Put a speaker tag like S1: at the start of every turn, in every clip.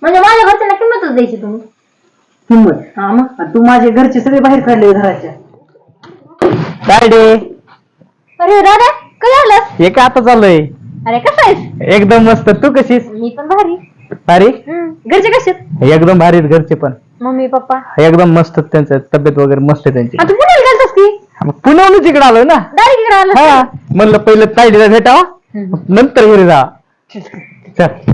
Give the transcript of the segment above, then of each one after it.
S1: म्हणजे माझ्या घरच्यांना किंमतच द्यायची तुम्ही?
S2: किंमत?
S1: हा मग
S2: तू माझे घरचे सगळे बाहेर काढले घराच्या.
S3: तायडे
S1: अरे दादा काय झालं?
S3: हे काय आता चाललंय?
S1: अरे कसं आहेस?
S3: एकदम मस्त. तू कशीस?
S1: मी पण भारी.
S3: भारी?
S1: घरचे कसे आहेत?
S3: एकदम भारी आहेत घरचे पण.
S1: मम्मी पप्पा
S3: एकदम मस्त. त्यांचं तब्येत वगैरे मस्त आहे त्यांची.
S1: आता पुण्याला गेलतास की?
S3: मग पुण्याहूनच इकडे आलोय ना.
S1: डायरेक्ट इकडे आलं?
S3: हा म्हणलं पहिलं तायडीला भेटावा नंतर घरी जा. चल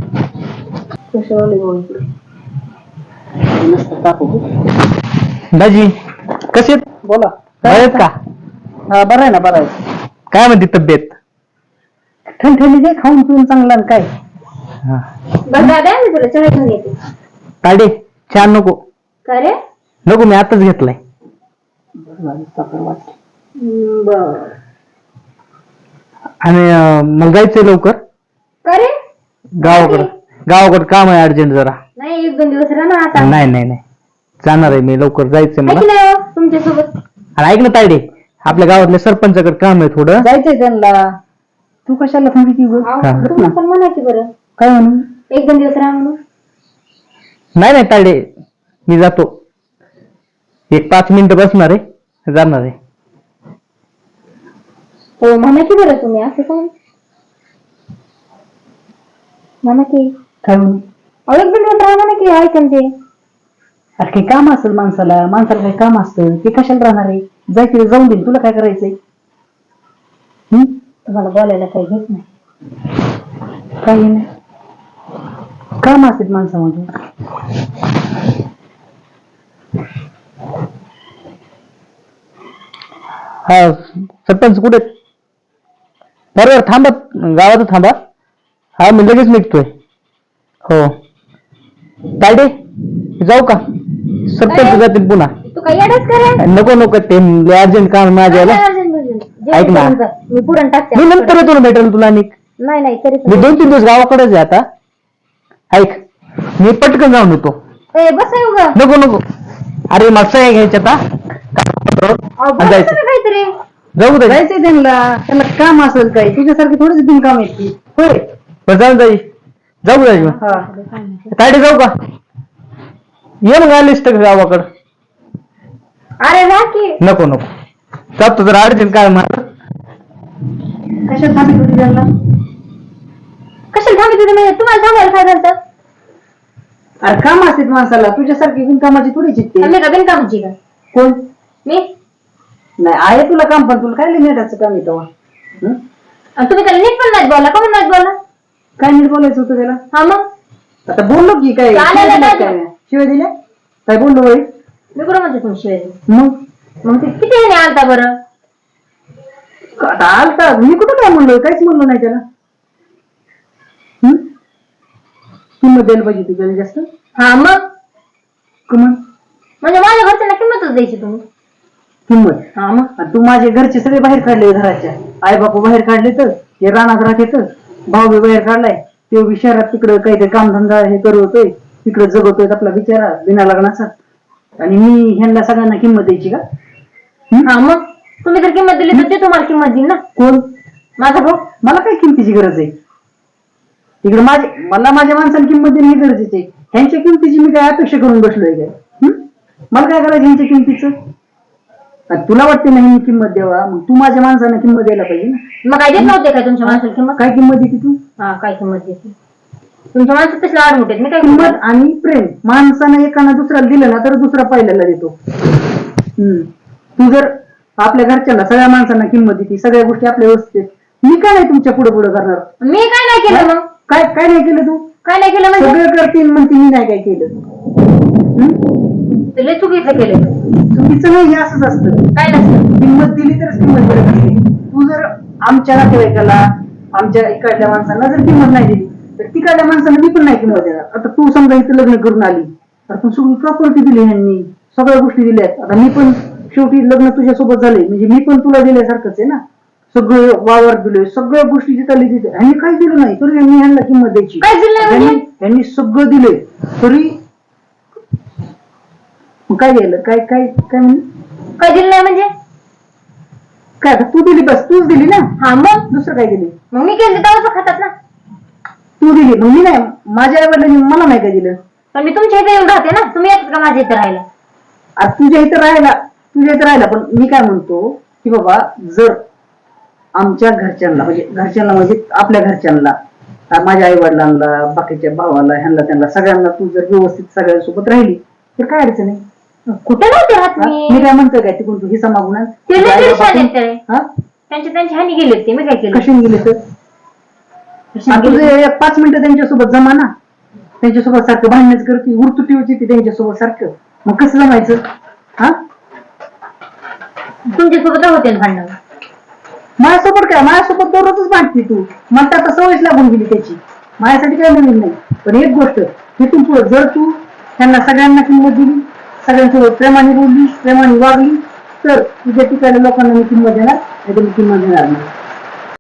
S3: दाजी कसे
S2: बोला.
S3: आहेत का?
S2: हा बरं आहे ना, बरं आहे.
S3: काय म्हणते तब्येत?
S2: ठणठणी दे, खाऊन पिऊन चांगला आणि काय.
S1: बरं दादा मी तुला चहा घेऊन येते.
S3: तायडे छान नको.
S1: काय रे?
S3: नको मी आताच घेतलाय.
S1: बर.
S3: आणि मग जायचंय लवकर
S1: काय रे?
S3: गावाकडे काम आहे अर्जंट जरा.
S1: नाही 1-2 दिवस राहणार आता.
S3: नाही नाही नाही जाणार आहे मी लवकर. जायचंय मला.
S1: नाही हो तुमच्यासोबत.
S3: आणि ऐक ना तायडे, आपल्या गावातल्या सरपंचाकडे काम आहे थोडं.
S2: जायचंय त्यांना. तू कशाला सांगितली?
S1: तुम्ही पण म्हणा की बरं.
S2: काय म्हणून?
S1: 1-2 दिवस राहा म्हणून.
S3: नाही नाही तायडे मी जातो. 1-5 मिनिटं बसणार आहे, जाणार आहे.
S1: हो म्हणा की बरं तुम्ही असं काय म्हणा की.
S2: काय म्हणून?
S1: 1-2 दिवस राहा म्हणा की. ऐकन ते.
S2: अरे काही काम असेल माणसाला काही काम असतं ते कशाला राहणार आहे? जायचं जाऊन दे. तुला काय करायचंय?
S1: तुम्हाला बोलायला काही घेत नाही.
S2: काही नाही. काम असतात माणसामध्ये.
S3: हा सरपंच कुठे? बरोबर थांबा, गावात थांबा. हा मी लगेच निघतोय. हो तायडे जाऊ का? सरपंच जातील पुन्हा.
S1: तू काही अडच करे?
S3: नको नको ते अर्जंट काम माझ्याला. ऐक ना,
S1: मी पुरण टाकते.
S3: मी नंतर येतो ना भेटेल तुला.
S1: नाही नाही तरी
S3: मी 2-3 दिवस गावाकडेच आहे आता. ऐक मी पटकन जाऊन येतो.
S1: बस येऊ ग.
S3: नको नको अरे मस्त आहे घ्यायच्या जायचं.
S1: काहीतरी
S3: जाऊ दे.
S2: जायचंय त्यांना काम असेल काही. तुझ्यासारखी थोडीच बिनकाम येते. होय
S3: बरं जाऊ जाई. जाऊ जाई मग.
S2: हा
S3: तायडे जाऊ का? ये मग आलीस तर गावाकडं.
S1: अरे वा की.
S3: नको नको जातो जरा अडचण काय मला.
S2: कशाला सांगितलं होती त्यांना?
S1: कशाला थांबत होते म्हणजे तुम्हाला सांगायला काय झालं?
S2: अरे काम असतात माणसाला. तुझ्यासारखी बिनकामाची थोडी चित्ते.
S1: आम्ही का बिनकामाची का?
S2: कोण?
S1: मी.
S2: नाही आहे तुला काम, पण तुला काय नेटाचं काम येतं?
S1: तुम्ही त्याला नीट पण नाही बोला. का पण नाही बोला?
S2: काय नीट बोलायचं होतं त्याला?
S1: हा मग
S2: आता बोललो की काय शिवाय दिल्या? काय बोललो बाई?
S1: मी कुठं म्हणते तुम्ही शिवाय?
S2: मग
S1: ते किती ह्याने आलता बरं?
S2: आता आलता. मी कुठं काय म्हणलोय? काहीच म्हणलो नाही त्याला. किंमत द्यायला पाहिजे ती त्याला जास्त.
S1: हा मग
S2: किंमत
S1: म्हणजे माझ्या घरच्यांना किंमतच द्यायची तुम्ही?
S2: किंमत?
S1: हा मग
S2: तू माझे घरचे सगळे बाहेर काढले घराच्या. आई बापू बाहेर काढले तर हे रानात राहत भाऊ बी बाहेर काढलाय. ते बी शहरात तिकडं काहीतरी कामधंदा हे करतोय. तिकडे जगवतोय आपला बिचारा बिना लग्नाचा. आणि मी ह्यांना सगळ्यांना किंमत द्यायची का?
S1: हा मग तुम्ही जर किंमत दिली तर ते तुम्हाला किंमत देईल ना.
S2: कोण?
S1: माझा भाऊ.
S2: मला काय किमतीची गरज आहे? तिकडे मला माझ्या माणसाला किंमत देणे हे गरजेचे आहे. ह्यांच्या किमतीची मी काय अपेक्षा करून बसलोय काय? मला काय करायचं ह्यांच्या किमतीचं? तुला वाटते नाही मी किंमत द्यावा, मग तू माझ्या माणसांना किंमत द्यायला पाहिजे ना.
S1: मग काय देत नव्हते काय तुमच्या माणसाला किंमत?
S2: काय किंमत देते तू?
S1: हा काय किंमत देते? तुमच्या माणसात तसले आड मोठे मी काय
S2: किंमत आणि प्रेम. माणसानं एकानं दुसऱ्याला दिलं ना तर दुसरा पहिल्याला देतो. तू जर आपल्या घरच्यांना सगळ्या माणसांना किंमत देते, सगळ्या गोष्टी आपल्या व्यवस्थित, मी काय नाही तुमच्या पुढे करणार?
S1: मी काय नाही केलं मग?
S2: काय नाही केलं तू?
S1: काय नाही केलं म्हणजे?
S2: सगळं करतील म्हणते मी नाही काय केलं.
S1: लय चुकीचं केलं.
S2: चुकीचं नाही, हे असंच असतं.
S1: काय नसतं.
S2: किंमत दिली तरच किंमत मिळत असते. तू जर आमच्या नातेवाईकाला आमच्या इकडल्या माणसांना जर किंमत नाही दिली तर तिकडल्या माणसांना मी पण नाही किंमत देणार. आता तू समजा इथं लग्न करून आली तर तू सगळी प्रॉपर्टी दिली ह्यांनी, सगळ्या गोष्टी दिल्यात. आता मी पण शेवटी लग्न तुझ्यासोबत झाले म्हणजे मी पण तुला दिल्यासारखंच आहे ना. सगळं वावर दिले, सगळ्या गोष्टी जिथं दिल्या. ह्यांनी काही दिलं नाही तरी मी ह्यांना किंमत द्यायची.
S1: काय दिलं?
S2: ह्यांनी सगळं दिले तरी काय द्यायला? काय काय काय म्हणजे?
S1: काय दिलं नाही म्हणजे?
S2: काय तू दिली, बस तूच दिली ना.
S1: हा मग
S2: दुसरं काय दिली?
S1: मग मी केलं तेव्हाच खातात ना.
S2: तू दिली, मग मी नाही. माझ्या आई वडिलांनी मला नाही काय दिलं.
S1: पण मी तुमच्या इथे येऊन राहते ना, तुम्ही येतात का माझ्या इथे राहायला?
S2: आता तुझ्या इथं राहिला पण मी काय म्हणतो की बाबा जर आमच्या घरच्यांना म्हणजे आपल्या घरच्यांना, माझ्या आई वडिलांना, बाकीच्या भावाला, ह्यांना त्यांना सगळ्यांना तू जर व्यवस्थित सगळ्यांसोबत राहिली तर काय अडचण आहे?
S1: कुठे नव्हते राहत
S2: मी काय म्हणतोय काय तिकडून तू हिस्सा मागून आण?
S1: ते लय
S2: आई
S1: परेशान
S2: बाबा
S1: आहेत ते.
S2: हा?
S1: त्यांच्या ह्यानी गेले ते, मी काय केलं?
S2: कशाने गेले तर
S1: कशाने
S2: तुझे
S1: गेले?
S2: 5 मिनिटं त्यांच्यासोबत जमा ना, त्यांच्यासोबत सारखं भांडणच करते, उरतुटी होती ती त्यांच्यासोबत सारखं, मग कसं जमायचं? हा,
S1: तुमच्यासोबत होते ना भांडण?
S2: माझ्यासोबत दररोजच भांडते तू. मला तर आता सवयच लागून गेली त्याची. माझ्यासाठी काय नवीन नाही. पण एक गोष्ट, तिथून पुढे जर तू त्यांना सगळ्यांना किंमत दिली, सगळ्यांसोबत प्रेमाने बोलली, प्रेमाने वागली, तर तुझ्या ठिकाणी लोकांना मी किंमत देणार, नाही तर मी किंमत देणार नाही.